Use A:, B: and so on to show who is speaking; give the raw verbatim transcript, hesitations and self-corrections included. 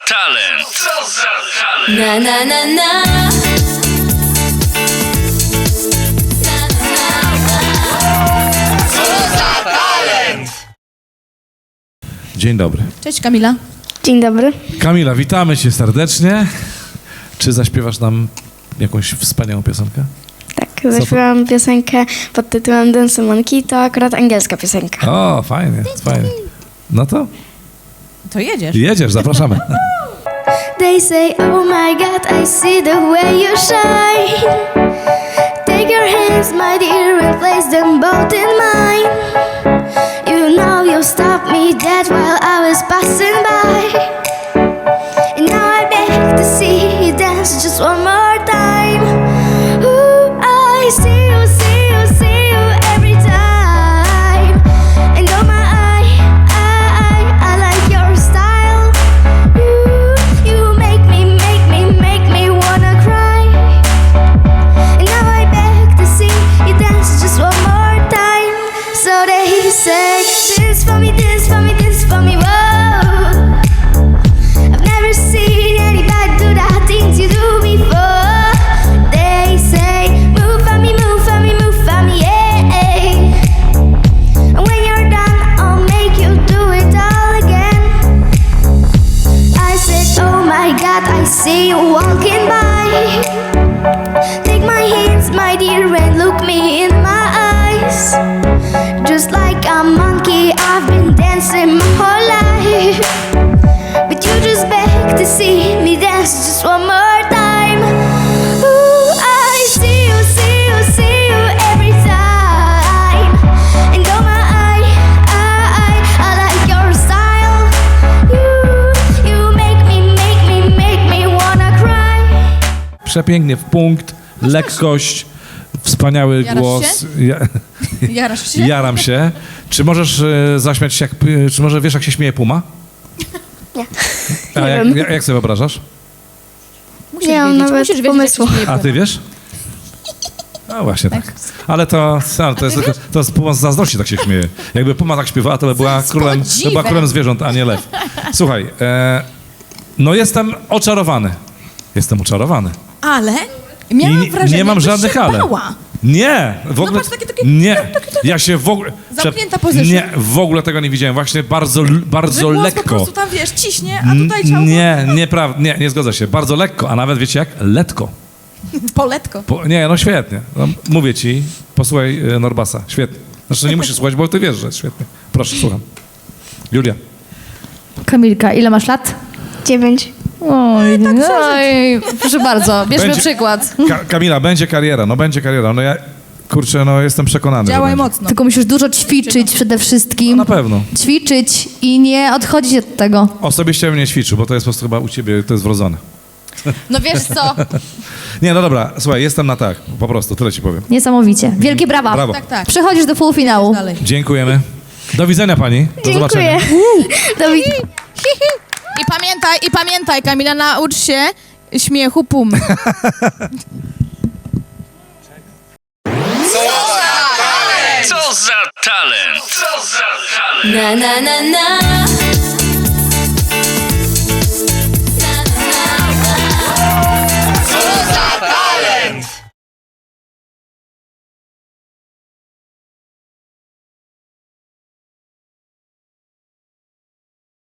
A: talent? Co za talent?
B: Na na na na.
A: Co za talent?
C: Dzień dobry.
D: Cześć Kamila.
E: Dzień dobry.
C: Kamila, witamy cię serdecznie. Czy zaśpiewasz nam jakąś wspaniałą piosenkę?
E: Tak, zaśpiewałam piosenkę pod tytułem Dance Monkey, to akurat angielska piosenka.
C: O, fajnie, fajnie. No to
D: To jedziesz.
C: jedziesz, zapraszamy.
E: They say, oh my God, I see the way you shine. Take your hands, my dear, and place them both in mine. You know you stopped me dead while I was passing by. And now I beg to see you dance just one more time. Ooh, I see you, see you, see you every time. And oh my, I, I, I like your style. Ooh, you make me, make me, make me wanna cry. And now I beg to see you dance just one more time. So they say, this for me, this for me, this for me, whoa. I've never seen anybody do the things you do before. They say, move for me, move for me, move for me, yeah. And when you're done, I'll make you do it all again. I said, oh my God, I see you walking by. Take my hands, my dear, and look me in my eyes. Just like a monkey, I've been dancing my whole life. But you just beg to see me dance just one more time. Ooh, I see you, see you, see you every time. And oh my, I, I, I like your style. You, you make me, make me, make me wanna cry.
C: Przepięknie, w punkt, lekkość, wspaniały
D: Jarasz
C: głos. Ja,
D: Jarasz się?
C: jaram się. Czy możesz e, zaśmiać się, jak, e, czy może wiesz, jak się śmieje puma?
E: Nie.
C: A
E: Nie
C: jak,
E: wiem.
C: jak, jak sobie wyobrażasz?
D: Musisz
E: Nie mam
D: wiedzieć,
E: nawet
D: musisz wiedzieć,
E: pomysłu.
D: jak się śmieje
C: A ty
D: puma.
C: wiesz? No właśnie tak. Ale to, ale to, jest, tylko, to jest puma z zazdrości, tak się śmieje. Jakby puma tak śpiewała, to by była
D: Z
C: królem, to
D: podziwem.
C: była królem zwierząt, a nie lew. Słuchaj, e, no jestem oczarowany. Jestem oczarowany.
D: Ale miałam
C: I
D: wrażenie,
C: nie mam
D: jakbyś
C: żadnych
D: się
C: ale.
D: bała.
C: Nie, w ogóle.
D: patrz, takie- takie-
C: Nie, ja się w ogóle.
D: Zamknięta pozycja.
C: Nie, w ogóle tego nie widziałem. Właśnie bardzo,
D: Że
C: bardzo
D: głos po
C: lekko.
D: prostu tam, wiesz, ciśnie, a tutaj ciało
C: Nie, nieprawda, nie, nie zgodzę się. Bardzo lekko, a nawet wiecie jak? Letko.
D: poletko.
C: Po, nie, no świetnie. No, mówię ci, posłuchaj e, Norbasa. Świetnie. Znaczy nie musisz słuchać, bo ty wiesz, że jest świetnie. Proszę, słucham. Julia.
F: Kamilka, ile masz lat?
E: Dziewięć.
F: Oj, oj, proszę bardzo, bierzmy
C: Będzie-
F: przykład.
C: Ka Kamila, będzie kariera, no będzie kariera. No ja, kurczę, no jestem przekonany, że
D: Działaj
C: będzie.
D: mocno.
F: Tylko musisz dużo ćwiczyć przede
C: No,
F: wszystkim.
C: na pewno.
F: Ćwiczyć i nie odchodzić od tego.
C: Osobiście bym nie ćwiczył, bo to jest po prostu chyba u ciebie, to jest wrodzone.
F: No wiesz co?
C: Nie, no dobra, słuchaj, jestem na tak, po prostu, tyle ci powiem.
F: Niesamowicie. Wielkie brawa.
C: Brawo.
D: Tak, tak.
F: Przechodzisz do półfinału.
D: Dalej.
C: Dziękujemy. Do widzenia pani. Do zobaczenia.
E: Dziękuję. Do widzenia.
D: I pamiętaj, i pamiętaj, Kamila, naucz się śmiechu pum.
A: Co za talent? Co za talent?
B: Na na na na.